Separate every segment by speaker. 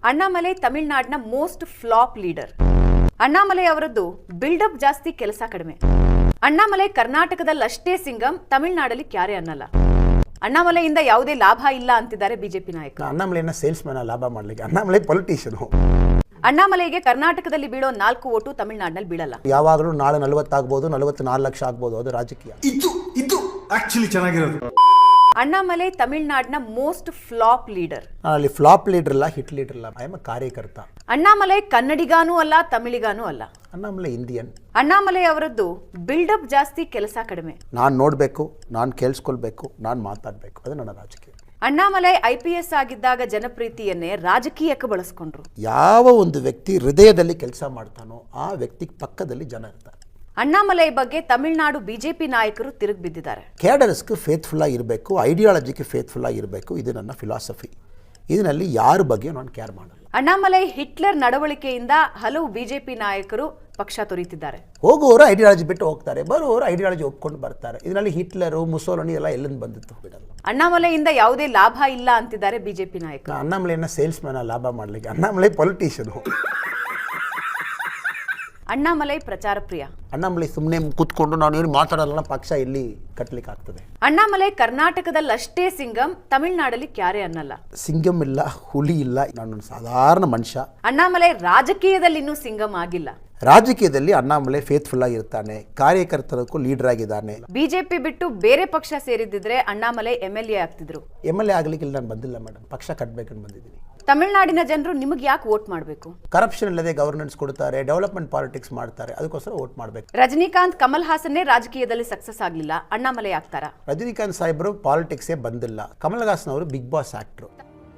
Speaker 1: ಅಣ್ಣಾಮಲೈ ತಮಿಳುನಾಡಿನ most flop leader. Annamalai ಅವರದ್ದು build up ಜಾಸ್ತಿ, ಕೆಲಸ ಕಡಿಮೆ. ಅಣ್ಣಾಮಲೈ ಕರ್ನಾಟಕದಲ್ಲಷ್ಟೇ ಸಿಂಗಂ, ತಮಿಳುನಾಡಲ್ಲಿ ಕ್ಯಾರೆ ಅನ್ನಲ್ಲ. ಅಣ್ಣಾಮಲೈಯಿಂದ ಯಾವುದೇ ಲಾಭ ಇಲ್ಲ ಅಂತಿದ್ದಾರೆ ಬಿಜೆಪಿ ನಾಯಕ.
Speaker 2: ಅಣ್ಣಾಮಲೈನ ಸೇಲ್ಸ್ ಮ್ಯಾನ್ ಲಾಭ ಮಾಡ್ಲಿಕ್ಕೆ, ಅಣ್ಣಾಮಲೈ ಪೊಲಿಟಿಷಿಯನ್.
Speaker 1: ಅಣ್ಣಾಮಲೈಗೆ ಕರ್ನಾಟಕದಲ್ಲಿ ಬೀಳೋ 4 ಓಟು ತಮಿಳುನಾಡಿನಲ್ಲಿ ಬೀಳಲ್ಲ.
Speaker 2: ಯಾವಾಗಲೂ ನಾಳೆ 40 ಆಗ್ಬೋದು, 44 ಲಕ್ಷ ಆಗ್ಬೋದು, ಅದು ರಾಜಕೀಯ.
Speaker 3: ಇದು ಆಕ್ಚುಲಿ ಚೆನ್ನಾಗಿರೋದು.
Speaker 1: ಅಣ್ಣಾಮಲೈ ತಮಿಳುನಾಡಿನ ಮೋಸ್ಟ್ ಫ್ಲಾಪ್ ಲೀಡರ್.
Speaker 2: ಅಲ್ಲಿ ಫ್ಲಾಪ್ ಲೀಡರ್ ಇಲ್ಲ, ಹಿಟ್ ಲೀಡರ್ ಇಲ್ಲ, ಐ ಆಮ್ ಕಾರ್ಯಕರ್ತ.
Speaker 1: ಅಣ್ಣಾಮಲೈ ಕನ್ನಡಿಗಾನೂ ಅಲ್ಲ, ತಮಿಳಿಗಾನೂ ಅಲ್ಲ.
Speaker 2: ಅಣ್ಣಾಮಲೈ ಇಂಡಿಯನ್.
Speaker 1: ಅಣ್ಣಾಮಲೈ ಅವರದ್ದು ಬಿಲ್ಡಪ್ ಜಾಸ್ತಿ, ಕೆಲಸ ಕಡಿಮೆ.
Speaker 2: ನಾನು ನೋಡಬೇಕು, ನಾನು ಕೇಳಿಸ್ಕೊಳ್ಬೇಕು, ನಾನು ಮಾತಾಡಬೇಕು, ಅದು ನನ್ನ ರಾಜಕೀಯ.
Speaker 1: ಅಣ್ಣಾಮಲೈ IPS ಆಗಿದ್ದಾಗ ಜನಪ್ರೀತಿಯನ್ನೇ ರಾಜಕೀಯಕ್ಕೆ ಬಳಸ್ಕೊಂಡ್ರು.
Speaker 2: ಯಾವ ಒಂದು ವ್ಯಕ್ತಿ ಹೃದಯದಲ್ಲಿ ಕೆಲಸ ಮಾಡ್ತಾನೋ ಆ ವ್ಯಕ್ತಿ ಪಕ್ಕದಲ್ಲಿ ಜನ ಇರ್ತಾರೆ.
Speaker 1: ಅಣ್ಣಾಮಲೈ ಬಗ್ಗೆ ತಮಿಳುನಾಡು ಬಿಜೆಪಿ ನಾಯಕರು ತಿರುಗಿ ಬಿದ್ದಿದ್ದಾರೆ.
Speaker 2: ಕ್ಯಾಡರ್ಸ್ಗೆ ಫೇತ್ಫುಲ್ ಆಗಿರಬೇಕು, ಐಡಿಯಾಲಜಿಗೆ ಫೇತ್ಫುಲ್ ಆಗಿರಬೇಕು, ಇದು ನನ್ನ ಫಿಲಾಸಫಿ. ಇದರಲ್ಲಿ ಯಾರ ಬಗ್ಗೆ ನಾನು ಕೇರ್ ಮಾಡಲ್ಲ.
Speaker 1: ಅಣ್ಣಾಮಲೈ ಹಿಟ್ಲರ್ ನಡವಳಿಕೆಯಿಂದ ಹಲವು ಬಿಜೆಪಿ ನಾಯಕರು ಪಕ್ಷ ತೊರೆಯುತ್ತಿದ್ದಾರೆ.
Speaker 2: ಹೋಗುವವರು ಐಡಿಯಾಲಜಿ ಬಿಟ್ಟು ಹೋಗ್ತಾರೆ, ಬರುವವರು ಐಡಿಯಾಲಜಿ ಒಪ್ಕೊಂಡು ಬರ್ತಾರೆ. ಇದರಲ್ಲಿ ಹಿಟ್ಲರು, ಮುಸೋಲನಿ ಎಲ್ಲ ಎಲ್ಲಿಂದ ಬಂದಿತ್ತು ಬಿಡಲ್ಲ.
Speaker 1: ಅಣ್ಣಾಮಲೈಯಿಂದ ಯಾವುದೇ ಲಾಭ ಇಲ್ಲ ಅಂತಿದ್ದಾರೆ ಬಿಜೆಪಿ ನಾಯಕ.
Speaker 2: ಅಣ್ಣಾಮಲೈನ ಸೇಲ್ಸ್ ಮ್ಯಾನ್ ಲಾಭ ಮಾಡ್ಲಿಕ್ಕೆ, ಅಣ್ಣಾಮಲೈ ಪೊಲಿಟಿಷಿಯನ್.
Speaker 1: ಅಣ್ಣಾಮಲೈ ಪ್ರಚಾರ ಪ್ರಿಯ.
Speaker 2: ಅಣ್ಣಾಮಲೈ ಸುಮ್ಮನೆ ಕೂತ್ಕೊಂಡು ನಾನು ಏನು ಮಾತಾಡಲ್ಲ, ಪಕ್ಷ ಎಲ್ಲಿ ಕಟ್ಟಲಿಕ್ಕೆ ಆಗ್ತದೆ.
Speaker 1: ಅಣ್ಣಾಮಲೈ ಕರ್ನಾಟಕದಲ್ಲಷ್ಟೇ ಸಿಂಗಂ, ತಮಿಳುನಾಡಲ್ಲಿ ಕ್ಯಾರೆ ಅನ್ನಲ್ಲ.
Speaker 2: ಸಿಂಗಂ ಇಲ್ಲ, ಹುಲಿ ಇಲ್ಲ, ನಾನು ಸಾಧಾರಣ ಮನುಷ್ಯ.
Speaker 1: ಅಣ್ಣಾಮಲೈ ರಾಜಕೀಯದಲ್ಲಿ ಇನ್ನೂ ಸಿಂಗಂ ಆಗಿಲ್ಲ.
Speaker 2: ರಾಜಕೀಯದಲ್ಲಿ ಅಣ್ಣಾಮಲೈ ಫೇತ್ಫುಲ್ ಆಗಿರ್ತಾನೆ, ಕಾರ್ಯಕರ್ತರಕ್ಕೂ ಲೀಡರ್ ಆಗಿದ್ದಾನೆ.
Speaker 1: ಬಿಜೆಪಿ ಬಿಟ್ಟು ಬೇರೆ ಪಕ್ಷ ಸೇರಿದ್ದಿದ್ರೆ ಅಣ್ಣಾಮಲೈ MLA ಆಗ್ತಿದ್ರು.
Speaker 2: MLA ಆಗ್ಲಿಕ್ಕೆ ಇಲ್ಲಿ ನಾನು ಬಂದಿಲ್ಲ ಮೇಡಮ್, ಪಕ್ಷ ಕಟ್ಟಬೇಕಂತ ಬಂದಿದ್ದೀನಿ.
Speaker 1: ತಮಿಳುನಾಡಿನ ಜನರು ನಿಮಗೆ ಯಾಕೆ ವೋಟ್ ಮಾಡಬೇಕು?
Speaker 2: ಕರಪ್ಷನ್ ಇಲ್ಲದೆ ಗವರ್ನೆನ್ಸ್ ಕೊಡ್ತಾರೆ, ಡೆವಲಪ್ಮೆಂಟ್ ಪಾಲಿಟಿಕ್ಸ್ ಮಾಡ್ತಾರೆ, ಅದಕ್ಕೋಸ್ಕರ ವೋಟ್ ಮಾಡಬೇಕು.
Speaker 1: ರಜನಿಕಾಂತ್, ಕಮಲ್ ಹಾಸನ್ನೇ ರಾಜಕೀಯದಲ್ಲಿ ಸಕ್ಸಸ್ ಆಗಲಿಲ್ಲ, ಅಣ್ಣಾಮಲೈ ಆಗ್ತಾರಾ?
Speaker 2: ರಜನಿಕಾಂತ್ ಸಾಹೇಬರು ಪಾಲಿಟಿಕ್ಸೇ ಬಂದಿಲ್ಲ, ಕಮಲ್ ಹಾಸನ್ ಅವರು ಬಿಗ್ ಬಾಸ್ ಆಕ್ಟರ್.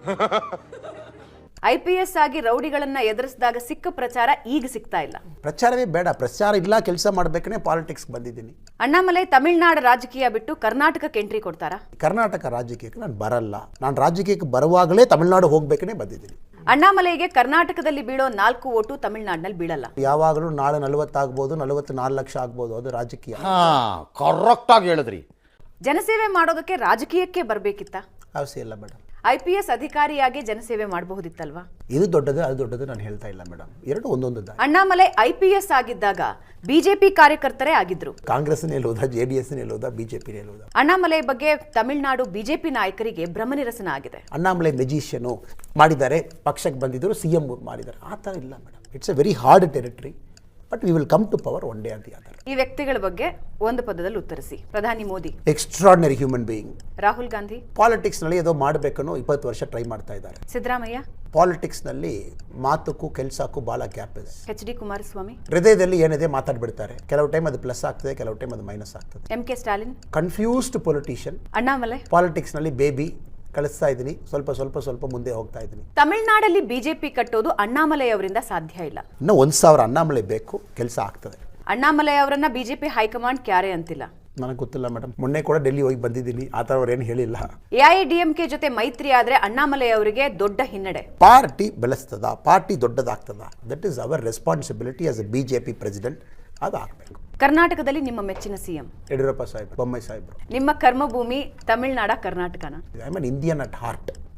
Speaker 1: IPS ಆಗಿ ರೌಡಿಗಳನ್ನ ಎದುರಿಸಿದಾಗ ಸಿಕ್ಕ ಪ್ರಚಾರ ಈಗ ಸಿಗ್ತಾ ಇಲ್ಲ.
Speaker 2: ಪ್ರಚಾರವೇ ಬೇಡ, ಪ್ರಚಾರ ಇಲ್ಲ, ಕೆಲಸ ಮಾಡಬೇಕೇ ಪಾಲಿಟಿಕ್ಸ್ ಬಂದಿದ್ದೀನಿ.
Speaker 1: ಅಣ್ಣಾಮಲೈ ತಮಿಳುನಾಡು ರಾಜಕೀಯ ಬಿಟ್ಟು ಕರ್ನಾಟಕಕ್ಕೆ ಎಂಟ್ರಿ ಕೊಡ್ತಾರಾ?
Speaker 2: ಕರ್ನಾಟಕ ರಾಜಕೀಯಕ್ಕೆ ನಾನು ಬರಲ್ಲ, ನಾನು ರಾಜಕೀಯಕ್ಕೆ ಬರುವಾಗಲೇ ತಮಿಳುನಾಡು ಹೋಗ್ಬೇಕೇ ಬಂದಿದ್ದೀನಿ.
Speaker 1: ಅಣ್ಣಾಮಲೈಗೆ ಕರ್ನಾಟಕದಲ್ಲಿ ಬೀಳೋ 4 ಓಟು ತಮಿಳುನಾಡಿನಲ್ಲಿ ಬೀಳಲ್ಲ.
Speaker 2: ಯಾವಾಗಲೂ ನಾಳೆ 40 ಆಗ್ಬೋದು, 44 ಲಕ್ಷ ಆಗ್ಬೋದು, ಅದು ರಾಜಕೀಯ.
Speaker 4: ಕರೆಕ್ಟ್ ಆಗಿ ಹೇಳಿದ್ರಿ.
Speaker 1: ಜನಸೇವೆ ಮಾಡೋದಕ್ಕೆ ರಾಜಕೀಯಕ್ಕೆ ಬರಬೇಕಿತ್ತ?
Speaker 2: ಅವಶ್ಯ ಇಲ್ಲ ಮೇಡಮ್.
Speaker 1: IPS ಅಧಿಕಾರಿಯಾಗಿ ಜನಸೇವೆ ಮಾಡಬಹುದಿತ್ತಲ್ವಾ?
Speaker 2: ಇದು ದೊಡ್ಡದು, ಅದು ದೊಡ್ಡದು ನಾನು ಹೇಳ್ತಾ ಇಲ್ಲ ಮೇಡಮ್, ಎರಡು ಒಂದೊಂದು ದಾರಿ.
Speaker 1: ಅಣ್ಣಾಮಲೈ IPS ಆಗಿದ್ದಾಗ ಬಿಜೆಪಿ ಕಾರ್ಯಕರ್ತರೇ ಆಗಿದ್ರು.
Speaker 2: ಕಾಂಗ್ರೆಸ್ ನಿಲ್ಲುವುದಾ, JDS ನಿಲ್ಲುವುದಾ, ಬಿಜೆಪಿ ನಿಲ್ಲುವುದಾ?
Speaker 1: ಅಣ್ಣಾಮಲೈ ಬಗ್ಗೆ ತಮಿಳುನಾಡು ಬಿಜೆಪಿ ನಾಯಕರಿಗೆ ಭ್ರಮನಿರಸನ ಆಗಿದೆ.
Speaker 2: ಅಣ್ಣಾಮಲೈ ಮೆಜಿಷಿಯನು ಮಾಡಿದ್ದಾರೆ, ಪಕ್ಷಕ್ಕೆ ಬಂದಿದ್ದರು, CM ಮಾಡಿದ್ದಾರೆ, ಆ ಥರ ಇಲ್ಲ madam. It's a very hard territory, but we will come to power one day ಅಂತ.
Speaker 1: ಈ ವ್ಯಕ್ತಿಗಳ ಬಗ್ಗೆ ಒಂದು ಪದದಲ್ಲಿ ಉತ್ತರಿಸಿ. ಪ್ರಧಾನಿ Modi
Speaker 2: extraordinary human being.
Speaker 1: Rahul Gandhi
Speaker 2: ಪಾಲಿಟಿಕ್ಸ್ನಲ್ಲಿ ಏನೋ ಮಾಡಬೇಕನ್ನೋ 20 ವರ್ಷ ಟ್ರೈ ಮಾಡ್ತಾ ಇದ್ದಾರೆ.
Speaker 1: ಸಿದ್ದರಾಮಯ್ಯ
Speaker 2: ಪಾಲಿಟಿಕ್ಸ್ನಲ್ಲಿ ಮಾತಕ್ಕೂ ಕೆಲಸಕ್ಕೂ ಭಾಳ ಗ್ಯಾಪ್ ಇದೆ.
Speaker 1: HD ಕುಮಾರಸ್ವಾಮಿ
Speaker 2: ಹೃದಯದಲ್ಲಿ ಏನಿದೆ ಮಾತಾಡ್ಬಿಡ್ತಾರೆ, ಕೆಲವು ಟೈಮ್ ಅದು ಪ್ಲಸ್ ಆಗ್ತದೆ, ಕೆಲವು ಟೈಮ್ ಅದು ಮೈನಸ್ ಆಗ್ತದೆ.
Speaker 1: MK Stalin
Speaker 2: confused politician.
Speaker 1: Annamalai
Speaker 2: ಪಾಲಿಟಿಕ್ಸ್ನಲ್ಲಿ ಬೇಬಿ ಕಳಿಸ್ತಾ ಇದ್ದೀನಿ, ಸ್ವಲ್ಪ ಮುಂದೆ ಹೋಗ್ತಾ ಇದ್ದೀನಿ.
Speaker 1: ತಮಿಳುನಾಡಲ್ಲಿ ಬಿಜೆಪಿ ಕಟ್ಟೋದು ಅಣ್ಣಾಮಲೈ ಅವರಿಂದ ಸಾಧ್ಯ ಇಲ್ಲ.
Speaker 2: ಇನ್ನೂ 1000 ಅಣ್ಣಾಮಲೈ ಬೇಕು, ಕೆಲಸ ಆಗ್ತದೆ.
Speaker 1: ಅಣ್ಣಾಮಲೈ ಅವರನ್ನ ಬಿಜೆಪಿ ಹೈಕಮಾಂಡ್ ಕ್ಯಾರೆ ಅಂತಿಲ್ಲ.
Speaker 2: ನನಗೆ ಗೊತ್ತಿಲ್ಲ ಮೇಡಮ್, ಮೊನ್ನೆ ಕೂಡ ಡೆಲ್ಲಿ ಹೋಗಿ ಬಂದಿದ್ದೀನಿ, ಆ ಥರ ಅವ್ರೇನು ಹೇಳಿಲ್ಲ.
Speaker 1: AIADMK ಜೊತೆ ಮೈತ್ರಿ ಆದ್ರೆ ಅಣ್ಣಾಮಲೈ ಅವರಿಗೆ ದೊಡ್ಡ ಹಿನ್ನಡೆ.
Speaker 2: ಪಾರ್ಟಿ ಬೆಳೆಸ್ತದ, ಪಾರ್ಟಿ ದೊಡ್ಡದಾಗ್ತದ, ದಟ್ ಈಸ್ ಅವರ್ responsibility as a BJP president. ಅದು ಆಗಬೇಕು.
Speaker 1: ಕರ್ನಾಟಕದಲ್ಲಿ ನಿಮ್ಮ ಮೆಚ್ಚಿನ CM
Speaker 2: ಯಡಿಯೂರಪ್ಪ ಸಾಹೇಬ್, ಬೊಮ್ಮಾಯಿ ಸಾಹೇಬರು.
Speaker 1: ನಿಮ್ಮ ಕರ್ಮಭೂಮಿ ತಮಿಳುನಾಡ, ಕರ್ನಾಟಕನ?
Speaker 2: I am an Indian at heart.